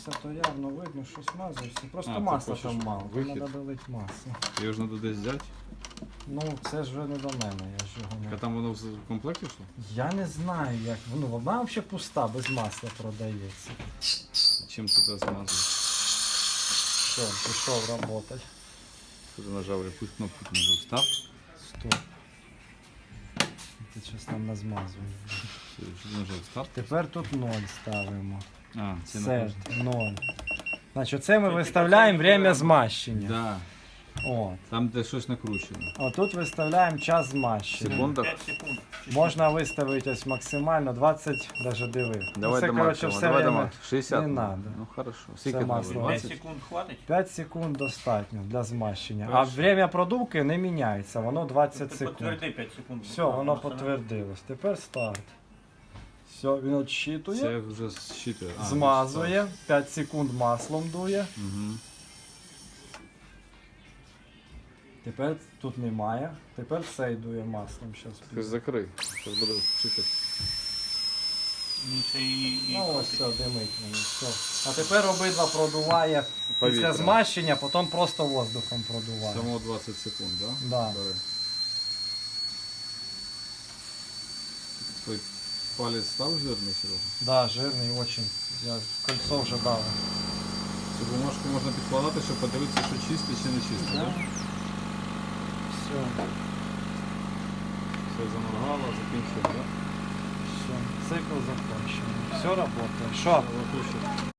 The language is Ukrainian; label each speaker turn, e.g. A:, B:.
A: мазався, то явно видно, щось мазався. Просто
B: А, ти
A: масла
B: хочеш
A: там мало,
B: вихід?
A: треба долити масло.
B: Його ж треба десь взяти.
A: Ну, це ж вже не до мене, я ж його
B: А
A: не...
B: там воно в комплекті йшло?
A: Я не знаю, як, ну, вона взагалі пуста, без масла продається.
B: Чим ти це змазав?
A: Все, пішов працювати.
B: Ти нажав, якусь кнопку ти нажав. Старт.
A: Стоп. Ти щось там назмазує.
B: Що ти нажав? Старт.
A: Тепер тут 0 ставимо.
B: А, це
A: Set 0. Значить, це ми виставляємо время змащення.
B: Да.
A: От.
B: Там де щось накручено.
A: А тут виставляємо час змащення.
B: Секунда.
C: 5 секунд.
A: Можна виставити ось максимально 20, навіть диви.
B: Давай
A: це,
B: до
A: коротше,
B: максимуму.
A: все
B: Давай до
A: время
B: максимуму. 60.
A: не надо.
B: Ну хорошо.
A: Це
B: Скільки
A: масло.
B: треба?
C: 5
B: 20?
C: секунд хватить?
A: 5 секунд достатньо для змащення. А
B: Перше.
A: время продувки не міняється, воно 20
C: Ти
A: секунд.
C: підтверди 5 секунд.
A: Все, воно підтвердилось. Тепер старт. Все, він відщитує,
B: Це вже щитує.
A: змазує, 5 секунд маслом дує.
B: Угу.
A: Тепер тут немає. Тепер цей дує маслом.
B: Ти закрий. Зараз буде щитати.
C: Він ще і
A: Ну ось все, димить мені. Все. А тепер обидва продуває після
B: Повітря.
A: змащення, потім просто воздухом продуває.
B: Само 20 секунд, да?
A: Да.
B: Бери. Твій палець став жирний, Серега?
A: Да, жирний очень. Я кольцо вже дав.
B: Цю бумажку можна підкладати, щоб подивитися, що чисте чи не чисте,
A: Да.
B: так?
A: Все,
B: Все заморгало, закінчили, так?
A: все. Цикл закончений. Все працює. Що?
B: Виключити.